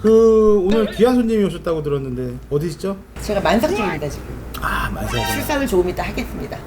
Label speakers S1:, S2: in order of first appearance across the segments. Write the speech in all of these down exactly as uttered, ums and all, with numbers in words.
S1: 그 오늘 귀한 손님이 오셨다고 들었는데 어디시죠?
S2: 제가 만삭 중입니다 지금.
S1: 아 만삭.
S2: 출산을 조금 이따 하겠습니다.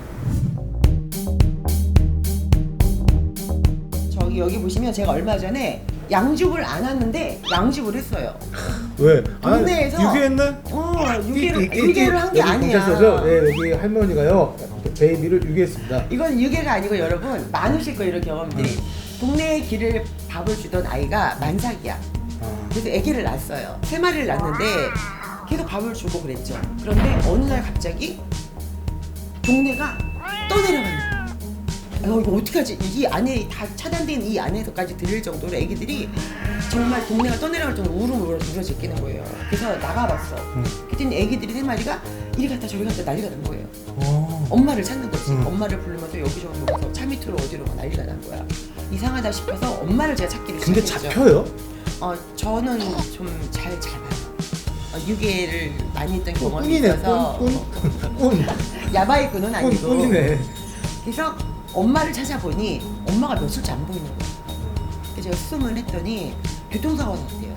S2: 저기 여기 보시면 제가 얼마 전에 양줍을 안 왔는데 양줍을 했어요.
S1: 왜?
S2: 동네에서-
S1: 아, 유기했네?
S2: 어, 유기를 유기를 한 게 아니야.
S1: 경찰서죠? 네, 여기 할머니가요 베이비를 유기했습니다.
S2: 이건 유괴가 아니고 여러분 많으실 거예요 이런 경험들이.
S1: 음.
S2: 동네에 길을 밥을 주던 아이가 만삭이야.
S1: 아,
S2: 그래서 아기를 낳았어요. 세 마리를 낳았는데 계속 밥을 주고 그랬죠. 그런데 어느 날 갑자기 동네가 떠내려가는 거야. 아, 이거 어떡하지? 이 안에 다 차단된 이 안에서까지 들릴 정도로 아기들이 정말 동네가 떠내려갈 정도로 울음을 울어 울어 제끼는 거예요. 그래서 나가봤어.
S1: 음.
S2: 그랬더니 아기들이 세 마리가 이리 갔다 저리 갔다 난리가 난 거예요.
S1: 어.
S2: 엄마를 찾는 거지.
S1: 음.
S2: 엄마를 부르면서 여기저기 가서 차 밑으로 어디로 가 난리가 난 거야. 이상하다 싶어서 엄마를 제가 찾기를
S1: 근데
S2: 시작했죠.
S1: 잡혀요?
S2: 어, 저는 좀 잘 잡아요. 어, 유괴를 많이 했던 경험이
S1: 꾼이네,
S2: 있어서
S1: 꾼, 꾼,
S2: 야바이 꾼은
S1: 꾼,
S2: 아니고.
S1: 꾼이네.
S2: 그래서 엄마를 찾아보니 엄마가 며칠째 안 보이는 거야. 그래서 제가 수음을 했더니 교통사고가 났대요.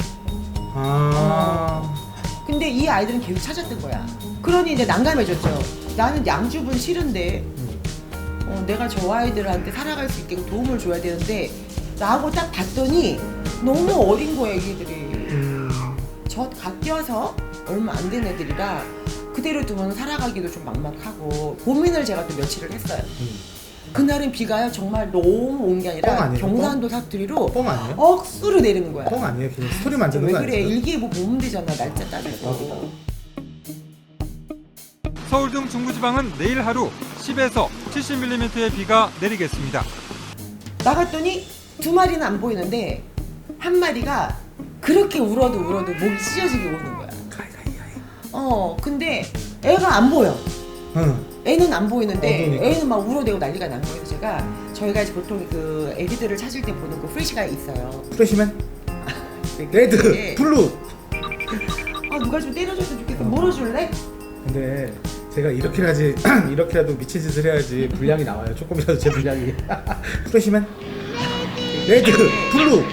S1: 아,
S2: 근데 이 아이들은 계속 찾았던 거야. 그러니 이제 난감해졌죠. 나는 양줍은 싫은데 어, 내가 저 아이들한테 살아갈 수 있게 도움을 줘야 되는데 나하고 딱 봤더니 너무 어린 거야 애기들이.
S1: 음,
S2: 저 갓 껴서 얼마 안 된 애들이라 그대로 두면 살아가기도 좀 막막하고 고민을 제가 또 며칠을 했어요.
S1: 음.
S2: 그날은 비가요 정말 너무 온 게
S1: 뻥
S2: 아니라
S1: 아니에요?
S2: 경산도 사투리로
S1: 뻥 아니에요?
S2: 억수로 내리는 거야.
S1: 뻥 아니에요? 그냥 스토리 만드는
S2: 왜
S1: 거
S2: 그래?
S1: 아니에요?
S2: 일기예보 보면 되잖아. 날짜 따져서.
S3: 서울 등 중부지방은 내일 하루 십에서 칠십 밀리미터의 비가 내리겠습니다.
S2: 나갔더니 두 마리는 안 보이는데 한 마리가 그렇게 울어도 울어도 목이 찢어지게 우는 거야. 어, 근데 애가 안 보여.
S1: 응.
S2: 애는 안 보이는데
S1: 어두우니까.
S2: 애는 막 울어대고 난리가 난 거예요. 제가 저희가 이제 보통 그 애기들을 찾을 때 보는 그 프레시가 있어요.
S1: 프레시맨?
S2: 왜
S1: 레드,
S2: 그래?
S1: 블루.
S2: 아 누가 좀 때려줬으면 좋겠어. 물어줄래?
S1: 근데 제가 이렇게라지 이렇게라도 미친 짓을 해야지 분량이 나와요. 조금이라도 제 분량이. 프레시맨? 레드, 블루.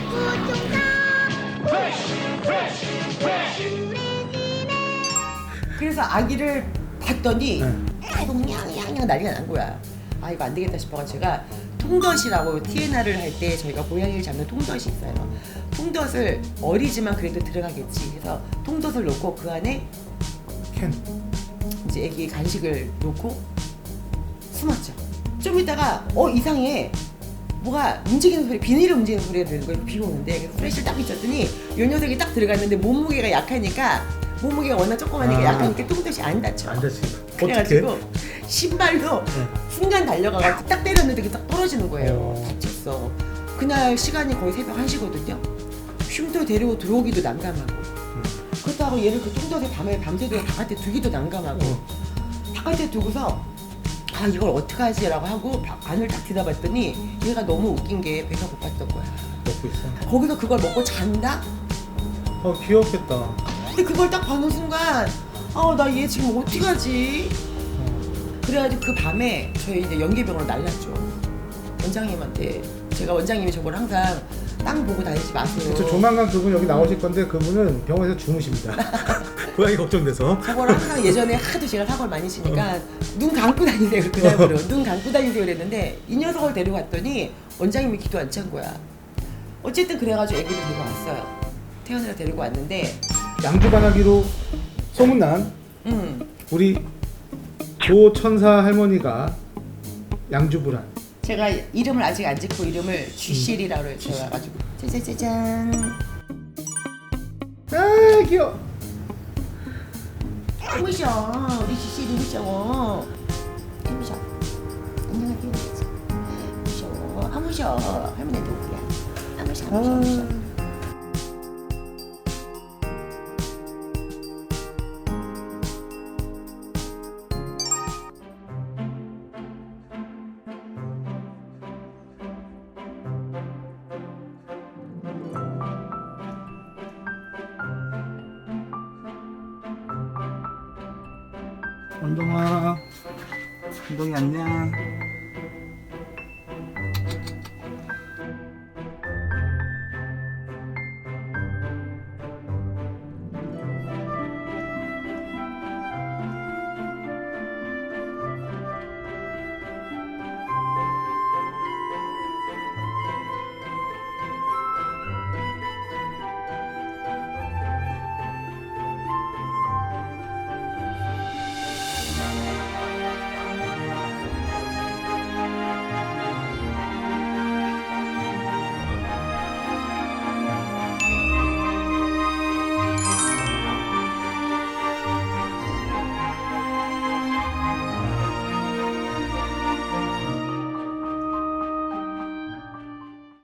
S2: 그래서 아기를 봤더니
S1: 네.
S2: 계속 냥냥냥 난리가 난 거야. 아 이거 안 되겠다 싶어가지고 제가 통덫이라고 티에나를 할 때 저희가 고양이를 잡는 통덫이 있어요. 통덫을 어리지만 그래도 들어가겠지 해서 통덫을 놓고 그 안에
S1: 캔.
S2: 이제 애기 간식을 놓고 숨었죠. 좀 있다가 어 이상해. 뭐가 움직이는 소리, 비닐을 움직이는 소리가 들리는 거예요. 비가 오는데 그래서 프레쉬를 딱 비쳤더니 요 녀석이 딱 들어갔는데 몸무게가 약하니까 몸무게가 워낙 조그마하니까
S1: 아.
S2: 약하니까 통덫이 안 닫혀.
S1: 안 다치. 어떻게?
S2: 그래가지고 신발로
S1: 네.
S2: 순간 달려가서 딱 때렸는데 그게 딱 떨어지는 거예요.
S1: 어.
S2: 다쳤어. 그날 시간이 거의 새벽 한 시거든요. 쉼터 데리고 들어오기도 난감하고 그렇다고 얘를 그 통닭에 밤에 밤새도록 바깥에 두기도 난감하고
S1: 어.
S2: 바깥에 두고서 아 이걸 어떡하지 라고 하고 바- 안을 딱 뒤다봤더니 얘가 너무 웃긴 게 배가 고팠던 거야.
S1: 먹고 있어.
S2: 거기서 그걸 먹고 잔다?
S1: 어 귀엽겠다.
S2: 근데 그걸 딱 보는 순간 아 나 얘 지금 어떡하지? 그래가지고 그 밤에 저희 이제 연계병으로 날랐죠. 원장님한테 제가 원장님이 저걸 항상 땅 보고 다니지 마세요.
S1: 저 조만간 그분 여기 나오실 건데 그분은 병원에서 주무십니다. 고양이 걱정돼서.
S2: 저걸 항상 예전에 하도 제가 사고를 많이 치니까 눈 감고 다니세요. 그날부로 눈 감고 다니세요 그랬는데 이 녀석을 데리고 왔더니 원장님이 기도 안 찬 거야. 어쨌든 그래가지고 애기를 데리고 왔어요. 태연이를 데리고 왔는데
S1: 양주반하기로 소문난
S2: 음
S1: 우리 조천사 할머니가 양주불안.
S2: 제가 이름을 아직 안 짓고 이름을 쥐실이라고 해가지고 짜자자잔
S1: 아 귀여워.
S2: 무셔 우리 쥐실이 무셔 무셔 안녕하세요 무셔 아 무셔 할머니 누구야 아 무셔 아 무셔 무셔
S1: 운동아, 운동이 안녕.